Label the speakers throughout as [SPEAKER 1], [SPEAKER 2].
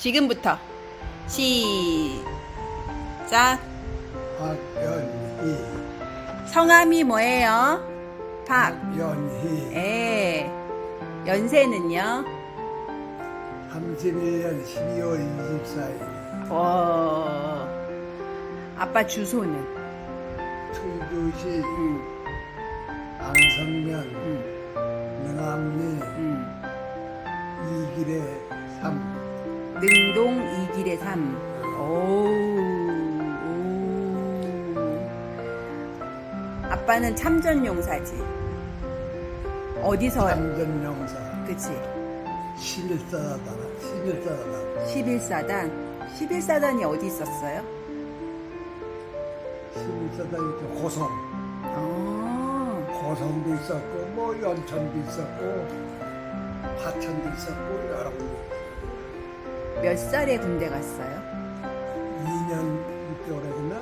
[SPEAKER 1] 지금부터 시작.
[SPEAKER 2] 박연희.
[SPEAKER 1] 성함이 뭐예요?
[SPEAKER 2] 박연희.
[SPEAKER 1] 예. 연세는요?
[SPEAKER 2] 31년 12월 24일.
[SPEAKER 1] 아빠 주소는?
[SPEAKER 2] 충주시
[SPEAKER 1] 음,
[SPEAKER 2] 안성면
[SPEAKER 1] 음,
[SPEAKER 2] 능암리
[SPEAKER 1] 음.
[SPEAKER 2] 2길에 3.
[SPEAKER 1] 능동 2길에 3. 오. 아빠는 참전용사지. 어디서?
[SPEAKER 2] 참전용사.
[SPEAKER 1] 그치.
[SPEAKER 2] 11사단. 11사단.
[SPEAKER 1] 11사단. 11사단이 어디 있었어요?
[SPEAKER 2] 11사단이 고성.
[SPEAKER 1] 어.
[SPEAKER 2] 고성도 있었고 뭐 연천도 있었고 화천도 있었고 여러 군데.
[SPEAKER 1] 몇 살에 군대 갔어요?
[SPEAKER 2] 2년 6개월에 했나?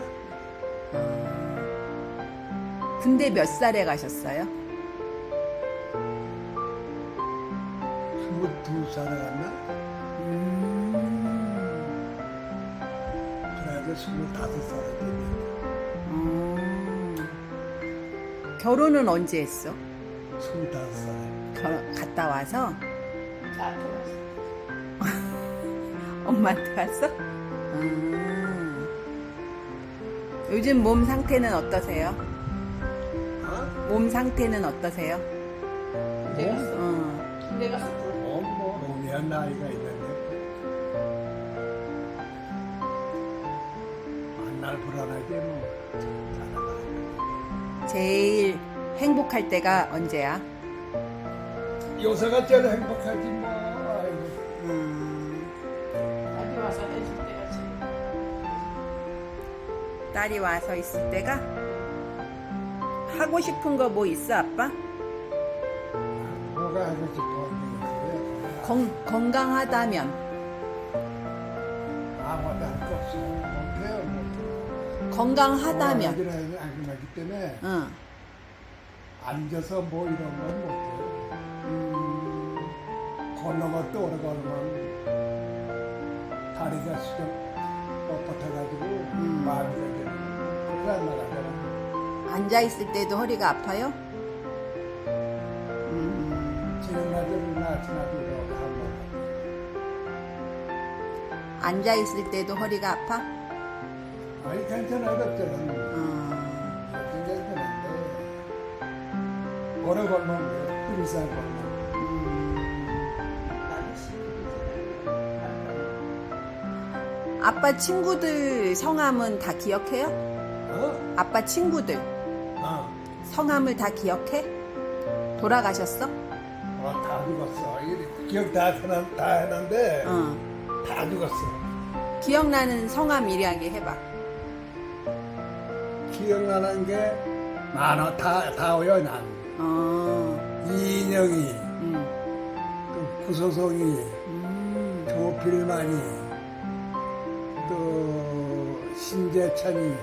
[SPEAKER 1] 군대 몇 살에 가셨어요?
[SPEAKER 2] 22살에 갔나? 그래도 25살에 됐네.
[SPEAKER 1] 결혼은 언제 했어?
[SPEAKER 2] 25살에.
[SPEAKER 1] 갔다 와서?
[SPEAKER 3] 나한테 왔어.
[SPEAKER 1] 엄마한테 갔어? 요즘 몸 상태는 어떠세요?
[SPEAKER 2] 어?
[SPEAKER 1] 몸 상태는 어떠세요?
[SPEAKER 3] 군대 갔어.
[SPEAKER 1] 어.
[SPEAKER 3] 군대 가서
[SPEAKER 2] 뭐 몸이야 나이가 있는데 만날 불안하게 뭐 잘하다.
[SPEAKER 1] 제일 행복할 때가 언제야?
[SPEAKER 2] 요새가 제일 행복하지 뭐. 아이고.
[SPEAKER 3] 딸이 와서 해줄 때가 제일.
[SPEAKER 1] 딸이 와서 있을 때가? 하고 싶은 거 뭐 있어, 아빠?
[SPEAKER 2] 뭐가 하고 싶어?
[SPEAKER 1] 건강하다면?
[SPEAKER 2] 아무것도 할 거 없어. 못해요.
[SPEAKER 1] 건강하다면?
[SPEAKER 2] 안 끝나기 때문에
[SPEAKER 1] 응.
[SPEAKER 2] 앉아서 뭐 이런 건 못해요. 걷는 것도 오래 걸으면 다리가 수정 뻣뻣해가지고 마비가 되는 그래서 안 나가잖아.
[SPEAKER 1] 앉아있을 때도 허리가 아파요?
[SPEAKER 2] 지금 날들은 아침하고 이렇게 한번
[SPEAKER 1] 앉아있을 때도 허리가 아파?
[SPEAKER 2] 아니 괜찮아요. 그때는 괜찮은데 오래 걸면 뚜리살 걸면
[SPEAKER 3] 나는 시키지.
[SPEAKER 1] 아빠 친구들 성함은 다 기억해요?
[SPEAKER 2] 어?
[SPEAKER 1] 아빠 친구들 성함을 다 기억해? 돌아가셨어?
[SPEAKER 2] 다 죽었어. 기억 다 해놨는데
[SPEAKER 1] 응.
[SPEAKER 2] 다 죽었어.
[SPEAKER 1] 기억나는 성함 이야기 해봐.
[SPEAKER 2] 기억나는 게 많아. 다 외워 난. 이인영이, 또 구소송이, 조필만이, 또 신재찬이,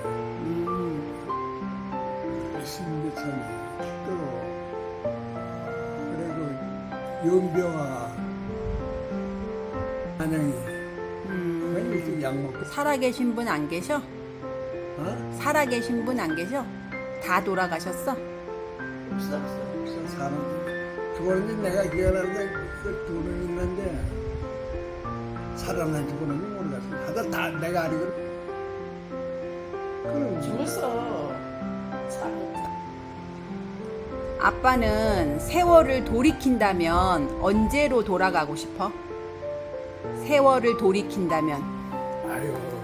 [SPEAKER 2] 또 그리고 윤병아, 한영이, 이렇게 약 먹고.
[SPEAKER 1] 살아계신 분 안 계셔?
[SPEAKER 2] 어?
[SPEAKER 1] 살아계신 분 안 계셔? 다 돌아가셨어?
[SPEAKER 3] 없어 없어.
[SPEAKER 2] 사람 그거는 내가 기억하는 게그 두 명 있는데 살아난지 그런지 모르겠어. 하여튼 다 내가 알기로 그럼
[SPEAKER 3] 죽었어. 사고.
[SPEAKER 1] 아빠는 세월을 돌이킨다면 언제로 돌아가고 싶어? 세월을 돌이킨다면
[SPEAKER 2] 아유